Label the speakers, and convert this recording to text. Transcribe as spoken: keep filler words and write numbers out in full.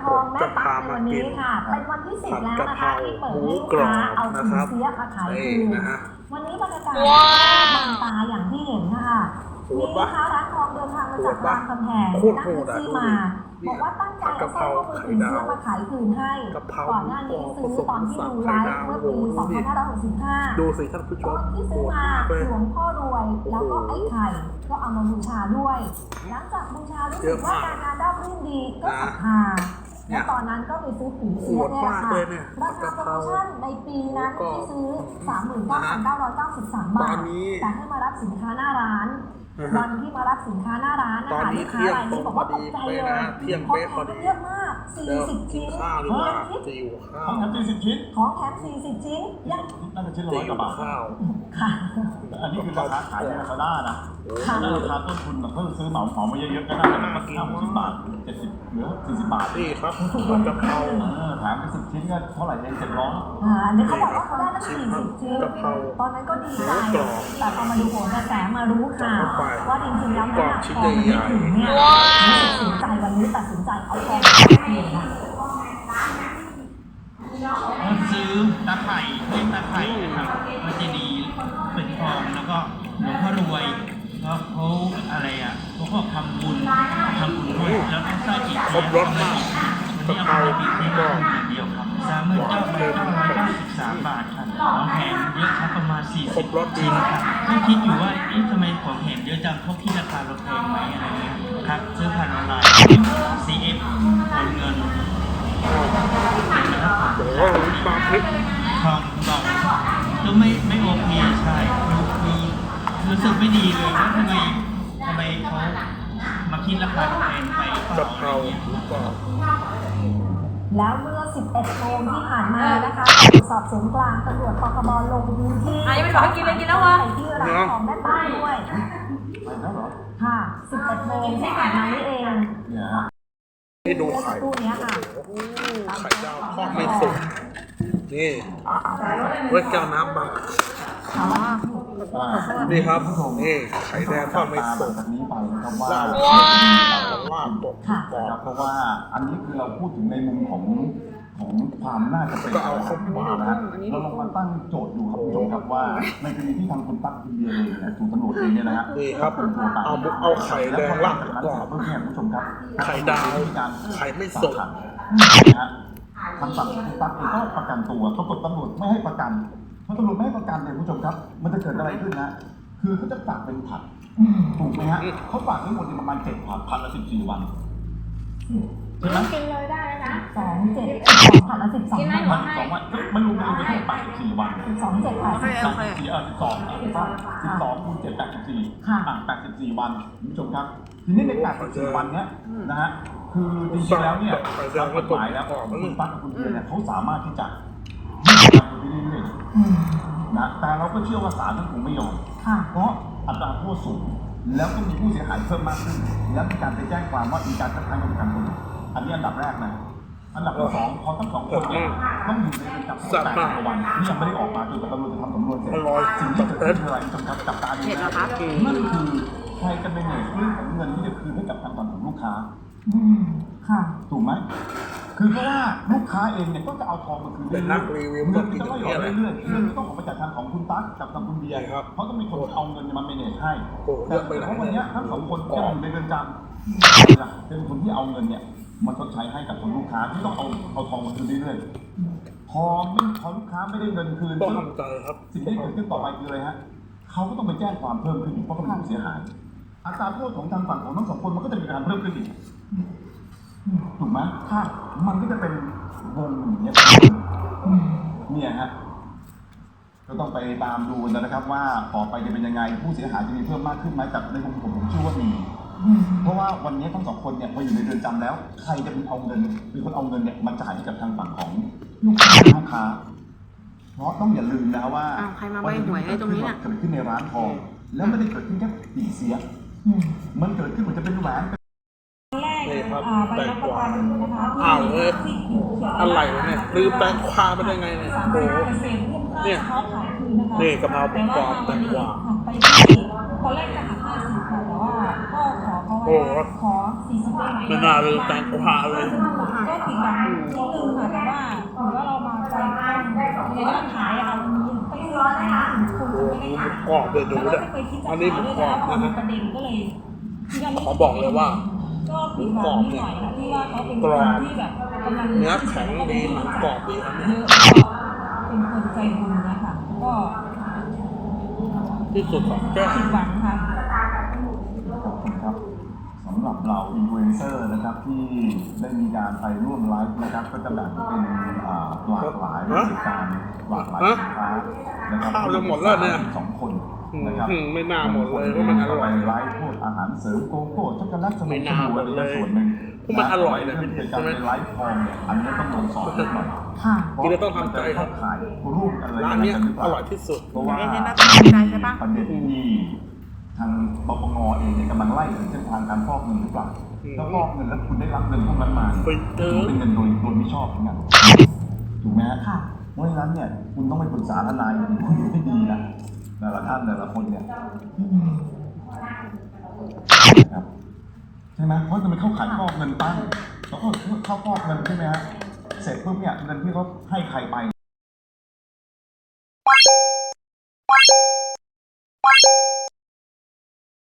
Speaker 1: องแม่ตั๊กในวันนี้ค่ะเป็นวันที่สิบแล้วนะคะที่เปิดให้ลูกค้าเอาสินเสียมาขายคืนวันนี้บรรยากาศบางตาอย่างที่เห็นค่ะมีลูกค้าร้านทองเดินทางมาจากรามคำแหงนั่งแท็กซี่มาบอกว่าตั้งใจเอาสร้อยข้อมือสินเสียมาขายคืนให้ก่อนหน้านี้ซื้อตอนที่ดูไลฟ์เมื่อปีสองพันห้าร้อยหกสิบห้า
Speaker 2: ดูสิท่านผู้ชม
Speaker 1: ที่ซื้อมาหลวงพ่อรวยแล้วก็ไอ้ไข่ก็เอามาบูชาด้วยหลังจากบูชารู้สึกว่าการงานราบรื่นดีก็ศรัทธาและตอนนั้นก็ไปซื้อผีเสียเนี่ยค่ะราคาโปรโมชั่นในปีนั้นที่ซื้อ สามหมื่นเก้าพันเก้าร้อยเก้าสิบสาม บาทแต่ให้มารับสินค้าหน้าร้านวันที่มารับสินค้าหน้าร้านนะคะลูกค้ารายนี้บอกว่าตกใจเลยเพราะแถมเยอะมากสี่สิบชิ้นของแถม
Speaker 3: สี่สิบชิ้น
Speaker 1: ของแถมสี่สิบชิ้นยัง
Speaker 3: น่าจะชิ้นละร้อยกว่าบาท
Speaker 1: ค่ะ
Speaker 3: อันนี้คือราคาขายในลาซาด้านะแล้วราคาต้นทุนเพิ่มซื้อเหมาเหมามาเยอะๆก็ได้แต่ก็ห้าหกสิบบาทเจ็ดสิบเหลือสี่สิบบาท
Speaker 2: นี่ครับถูกกว่ากะเพรา
Speaker 3: แถมเป็นสิบชิ้นก็เท่าไหร่เองเจ็ดร้อย
Speaker 1: อ่าอันนี้เขาบอกว่าเขาได้ตั้งสี่สิบชิ้นตอนนั้นก็ดีใจแต่พอมาดูโหนกระแสมารู้ข่าวว่าจริงๆแล้วน้ำหนักทองไม่ถึงเนี่ยตัดสินใจวันนี้ตัดสินใจเอาทองไปคืนค่ะ
Speaker 4: ซื้อตาไข่เล่นตาไข่นะครับมันจะดีเป็นทองแล้วก็หลวงพ่อรวยเพราะเขาอะไรอ่ะเขาก็ทำบุญทำบุญด้วยแล้วก็สร้างจิต
Speaker 2: ครบรสมากกะเพรา
Speaker 4: ที่ก็เดียวครับสามหมื่นเก้าพันเก้าร้อยเก้าสิบสามบาทครับของแถมเยอะครับประมาณสี่สิบชิ้นครับที่คิดอยู่ว่าเอ๊ะทำไมของแถมเยอะจังเขาคิดราคาเราแพงไหมอะไรเงี้ยครับซื้อผ่านออนไลน์ ซี เอฟ โอนเงิน
Speaker 2: โอ้โหปลาพริก
Speaker 4: ทองบอกก็ไม่ไม่โอเคใช่คือรู้สึกไม่ดีเลยว่าทำไมทำไมเขามาคิดราคาแพงไป
Speaker 2: กะเพราหรือเปล่า
Speaker 1: แล้วเมื่อสิบเอ็ดโมงที่ผ่านมานะคะสอบสวนกลางตำรวจปคบลงพื้นที่
Speaker 5: อ่ะยังไม่บอกให้กินเลยกินแล้ววะ
Speaker 1: ที่ร้านของแม่ป้าด้วยค่ะสิบเอ็ดโมงที่ผ่านมานี่เอง
Speaker 2: ให้ดูไข่
Speaker 1: ตู้นี้ค่ะ
Speaker 2: ไข่ดาวทอดไม่สุกนี่เวทแก้วน้ำบังนี่ครับนี่ไข่แดงทอดไม่สุก
Speaker 3: แบบนี้ไปนะครับว่า
Speaker 2: ลาบตก
Speaker 3: บอกเพราะว่าอันนี้คือเราพูดถึงในมุมของของความน่าจะเป็น
Speaker 2: ก็เอาเข้ามา
Speaker 3: นะเราลองมาตั้งโจทย์ดูครับคุณผู้ชมครับว่าในกรณีที่ทางคุณตั๊กคุณเบียร์เองเนี่ยถูกตำรวจเองเนี่ยนะฮะ
Speaker 2: นี่ครับเอาเอาไข่แดงลาบก่อน
Speaker 3: เพื่อให้คุณผู้ชมครับ
Speaker 2: ไข่ดาวไข่ไม่สุก
Speaker 3: นะฮะทางฝั่งคุณตั๊กเองก็ประกันตัวปรากฏตำรวจไม่ให้ประกันเพราะตำรวจไม่ให้ประกันเนี่ยคุณผู้ชมครับมันจะเกิดอะไรขึ้นนะคือเขาจะฝากเป็นผัดถูกไหมฮะเขาฝากทั้งหมดประมาณเจ็ดผัดผัดละสิบสี่วัน
Speaker 5: ใช่ไหมกินเลยได้แล้วนะ
Speaker 1: สองเจ็ดสองผัดละสิบสอง
Speaker 5: วัน
Speaker 3: ผัดสองวันไม่รู้ไม่รู้ไม่รู้แปดสิบสี่วัน
Speaker 1: สองเจ็ดแปดสิบ
Speaker 3: สี่เออสิบสองสิบสองคูณเจ็ดแปดสิบสี่อ่ะแปดสิบสี่วันคุณผู้ชมครับทีนี้ในแปดสิบสี่วันเนี้ยนะฮะคือจริงๆแล้วเนี่ยตามกฎหมายแล้วคุณตั๊กกับคุณเบียร์เนี่ยเขาสามารถที่จะยืดไปเรื่อยๆนะแต่เราก็เชื่อว่าศาลท่านคงไม่ยอมเพราะอัตราโทษสูงแล้วก็มีผู้เสียหายเพิ่มมากขึ้นแล้วมีการไปแจ้งความว่ามีการคัดค้านการประกันตัวอันนี้อันดับแรกนะอันดับที่สองพอทั้งสองคนเนี่ยต้องอยู่ในเรือนจำแปดวันนี่ยังไม่ได้ออกมาจนกว่าตำรวจจะทำสำนวนเสร็จสิ่งที่เกิดขึ้นคืออะไรจำกัดจับตาดูนะนั่นคือใครจะเป็นเรื่องของเงินที่จะคืนให้กับทางฝั่งของลูกค้า
Speaker 1: ค่ะ
Speaker 3: ถูกไหมคือเพราะว่าลูกค้าเองเนี่ยก็จะเอาทองมาคืนเรื่อยๆเงินจะไม่หยอดเรื่อยๆเรื่องต้องออกมาจากทางของคุณตั๊กกับทางคุณเบียร์ครับเพราะต้องมีคนเอาเงินมาเมเนจให้แต่เพราะวันนี้ทั้งสองคนจะอยู่ในเรือนจำเป็นคนที่เอาเงินเนี่ยมาชดใช้ให้กับคนลูกค้าที่ต้องเอาเอาทองมาคืนเรื่อยๆพอไม่พอลูกค้าไม่ได้เงินคืน
Speaker 2: ต้องทำใจครับ
Speaker 3: สิ่งที่เกิดขึ้นต่อไปคืออะไรฮะเขาก็ต้องไปแจ้งความเพิ่มขึ้นเพราะเขาเป็นผู้เสียหายอัตราโทษของทางฝั่งของทั้งสองคนมันก็จะมีการเพิ่มขึ้นอีกถูกไหมค่ะมันก็จะเป็นวงอย่างเงี้ยเนี่ยฮะก็ต้องไปตามดูนะครับว่าต่อไปจะเป็นยังไงผู้เสียหายจะมีเพิ่มมากขึ้นไหมแต่ในมุมผมผมเชื่อว่ามีเพราะว่าวันนี้ทั้งสองคนเนี่ยมาอยู่ในเรือนจำแล้วใครจะเป็นเอาเงินเป็นคนเอาเงินเนี่ยมาจ่ายให้กับทางฝั่งของลูกค้าลูกค้าเพราะต้องอย่าลืมนะว่า
Speaker 5: ใครมาใบหวยให้ตรงนี้เนี่ย
Speaker 3: เกิดขึ้นในร้านทองแล้วไม่ได้เกิดขึ้นแค่ปีเสียมันเกิดขึ้นเหมือนจะเป็นแหวน
Speaker 2: นี่ครับแตงกวาอ้าวเอ้ยอะไรเนี่ยลืมแตงกวาไปได้ไงเนี่ยโอ้โหเนี่ยนี่กะเพราปกรอบแตงกวา
Speaker 6: ที่ตอนแรกจะหักห้าสิบค่ะแต่ว่าก็ขอเขาไว้ว่าขอสี่สิบได้ไหม
Speaker 2: ไม่น่าเลยแตงกวาเลย
Speaker 6: ก็ผิดหวังนิดนึงค่ะแต่ว่าถือว่าเรามาใจกว้างในร้านขายอะค่ะมันมีไปซื้อขายถึงคนจะไม่ได้ขาย
Speaker 2: กรอบเลยดู
Speaker 6: แล้ว
Speaker 2: เนี่ย
Speaker 6: เราไม่เคยคิดจะ
Speaker 2: อัน
Speaker 6: ขาย
Speaker 2: นี้
Speaker 6: ด้
Speaker 2: ห
Speaker 6: ว
Speaker 2: มู
Speaker 6: ย
Speaker 2: กรอบ
Speaker 6: แล้วพอ
Speaker 2: นะ
Speaker 6: มี
Speaker 2: ฮะ
Speaker 6: ประเด็นก็เลยคิดว่าไม่
Speaker 2: ขอบอกเลยว่า
Speaker 6: ก็ผิดหวังนิดหน่อยค่ะที่ว่าเขาเป็นคนที่แบบกำลัง
Speaker 2: เนื้อแข็งดีหนังกรอบดีครับ
Speaker 6: เย
Speaker 2: เนี่ย
Speaker 6: อะก็เป็นคนใจบุญนะคะก็
Speaker 2: ที่สุดของแก้ว
Speaker 6: ผิดหวังค่ะ
Speaker 3: ขอบคุณครับสำหรับเราอินฟลูเอนเซอร์นะครับที่ได้มีการไปร่วมไลฟ์นะครับก็จะแบ่งเป็นอ่าหลากหลายบริการหลากหลายสินค้านะครับ
Speaker 2: ข้าวจะหมดแล้วเนี่ย
Speaker 3: สองคนนะครับ
Speaker 2: อืมไม่น่าหมดเลยเพราะมันอร่อย
Speaker 3: ไปไลฟ์พวกอาหารเสริมโกโก้ช็อกโกแลตสมุ
Speaker 2: ไม่
Speaker 3: น
Speaker 2: น่า
Speaker 3: ไพร
Speaker 2: หม
Speaker 3: อะ
Speaker 2: ด
Speaker 3: ไร
Speaker 2: เลย
Speaker 3: ส่วนหนึ่ง
Speaker 2: เพราะมันอร่อยนะ
Speaker 3: เรื่
Speaker 2: พี่
Speaker 3: อง
Speaker 2: ใช่
Speaker 3: การ
Speaker 2: ไหม
Speaker 3: ไปไลฟ์ทองเนี่ยอันนี้ต้องโดนสอนนิดหน่อย
Speaker 6: ค่ะ
Speaker 2: กินแล้วต้องทำใจครับ
Speaker 3: ขายรูปอะไร
Speaker 2: ร้านเนี้ย
Speaker 3: กัหรือเป
Speaker 2: อ
Speaker 3: ล่า
Speaker 2: ร่อยที่สุด
Speaker 3: เพราะว่า
Speaker 5: เอ๊ะน่าจะทำใจใช่ปะ
Speaker 3: ประเด็นที่ทางปปงเองเนี่ยกำลังไล่ถึงเส้นทางการฟอกเงินหรือเปล่า
Speaker 2: อืม
Speaker 3: ถ้าฟอกเงินแล้วคุณได้รับเงินพวกนั้นมา
Speaker 2: ไปเจอ
Speaker 3: ถือเป็นเงินโดยโดยไม่ชอบเหมือนกันถูกไหมฮะ
Speaker 6: ค่ะ
Speaker 3: เพราะฉะนั้นเนี่ยคุณต้องไปปรึกษาทนายดีคุยให้ดีนะแต่ละท่านแต่ละคนเนี่ยนะครับใช่ไหมเพราะจะไปเข้าขายฟอกเงินตั้งแล้วก็เข้าฟอกเงินใช่ไหมฮะเสร็จปุ๊บเนี่ยเงินที่เขาให้ใครไป